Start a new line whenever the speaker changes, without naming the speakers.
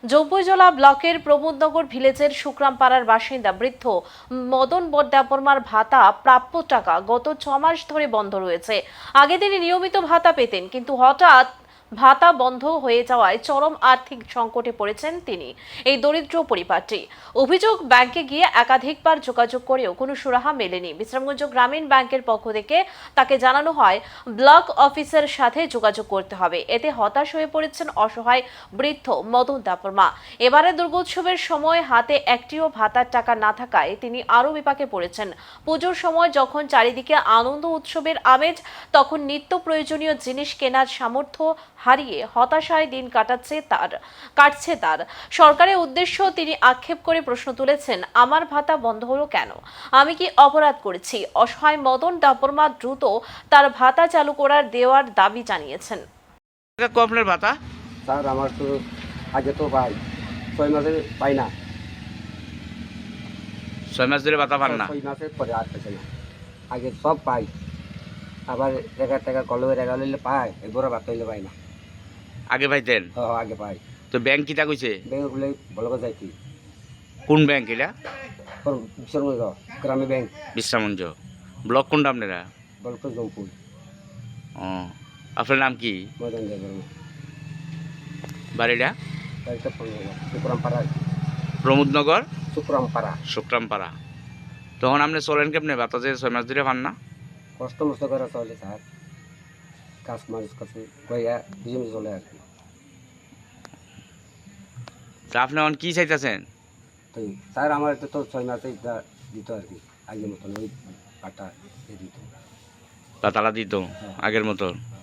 জৌবইজলা ব্লকের প্রমোদনগর ভিলেজের শুক্রামপাড়ার বাসিন্দা বৃদ্ধ মদন বড্ডাপরমার ভাতা প্রাপ্য টাকা গত 6 মাস ধরে বন্ধ রয়েছে। আগে তিনি নিয়মিত ভাতা পেতেন, কিন্তু হঠাৎ ভাতা বন্ধ হয়ে যাওয়ায় চরম আর্থিক সংকটে পড়েছেন তিনি। এই দরিদ্র পরিবারটি অভিযোগ, ব্যাংকে গিয়ে একাধিকবার যোগাযোগ করেও কোনো সুরাহা মেলেনি। বিশ্রামগঞ্জ গ্রামীণ ব্যাংকের পক্ষ থেকে তাকে জানানো হয় ব্লক অফিসের সাথে যোগাযোগ করতে হবে। এতে হতাশ হয়ে পড়েছেন অসহায় বৃদ্ধ মদন দাপরমা। এবারে দুর্গোৎসবের সময় হাতে একটিও ভাতার টাকা না থাকায় তিনি আরও বিপাকে পড়েছেন। পুজোর সময় যখন চারিদিকে আনন্দ উৎসবের আমেজ, তখন নিত্য প্রয়োজনীয় জিনিস কেনার সামর্থ্য হারিয়ে হতাশায় দিন কাটছে তার। সরকারের উদ্দেশ্য তিনি আক্ষেপ করে প্রশ্ন তুলেছেন, আমার ভাতা বন্ধ হলো কেন? আমি কি অপরাধ করেছি? অসহায় মদন দাপরমা দ্রুত তার ভাতা চালু দেওয়ার দাবি জানিয়েছেন।
আপনার ভাতা
স্যার আমার তো আগে তো পাই 6 মাসে পাই না,
6 মাস ধরে ভাতা পান না?
6 মাসের পরে আর পেছে না। আগে সব পাই, আবার টাকা কলমের টাকা লইলে পাই, এবার ভাত হইলে পাই না।
আগে পাইতেন?
আগে পাই।
তো ব্যাংক কিটা কইছে?
ব্যাংকগুলো ভালো করে যাইতি।
কোন ব্যাংক এটা?
বিশ্বরগঞ্জ গ্রামীণ ব্যাংক।
বিশ্রামগঞ্জ ব্লক কোনটা আপনারা?
বলক জমপুর।
ও, আপনার নাম কি?
মদন দেববর্মা।
বাড়িটা?
বাড়িটা শুক্রামপাড়া।
প্রমোদনগর
শুক্রামপাড়া।
শুক্রামপাড়া। তখন আপনি চলেন কেমনে? ভাতা যে 6 মাস ধরে পান না?
কষ্ট মষ্ট করে চলে স্যার, কাজ মানুষ কাছে গইয়া বুঝে চলে আর কি।
তা আপনি এখন কি চাইতেছেন?
তো স্যার আমার তো 6 মাসে দিত আর কি, আগের মতন ওই পাটা দিত।
ভাতাটা দিত আগের মতো?